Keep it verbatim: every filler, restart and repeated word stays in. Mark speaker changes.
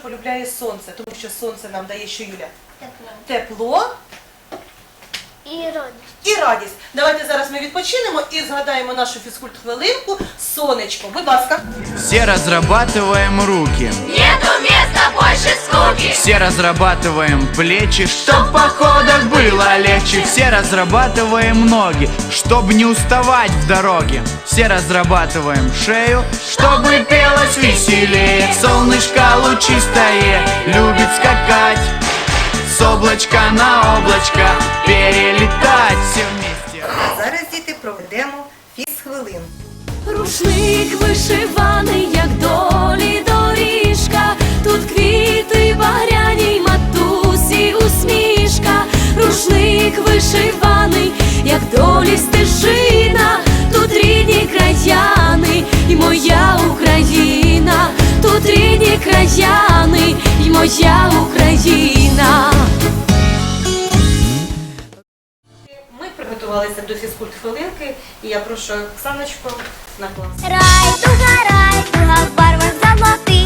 Speaker 1: полюбляє сонце, тому що сонце нам дає що, Юля?
Speaker 2: Тепло.
Speaker 1: Тепло
Speaker 2: І радість.
Speaker 1: і радість. Давайте зараз ми відпочинемо і згадаємо нашу фізкульт-хвилинку сонечко. Будь ласка.
Speaker 3: Все разрабатываем руки,
Speaker 2: Нету места больше скуки.
Speaker 3: все разрабатываем плечи, чтоб в походах было легче. Все разрабатываем ноги, чтобы не уставать в дороге. Все разрабатываем шею, чтобы пелось веселее. Солнышко лучистое любит скакать, с облачка на облачко перелетать все вместе.
Speaker 1: А зараз, діти, проведемо фізхвилинку.
Speaker 4: Рушник вишиваний, як долі доріжка, тут квіти багряні, матусі усмішка. Рушник вишиваний, як долі стежина, тут рідні краяни і моя Україна, тут рідні краяни і моя Україна.
Speaker 1: Ми приготувалися до фізкульт-хвилинки, і я прошу Оксаночку на клас.
Speaker 2: Рай, дуга, рай, дуга в барвах золотих.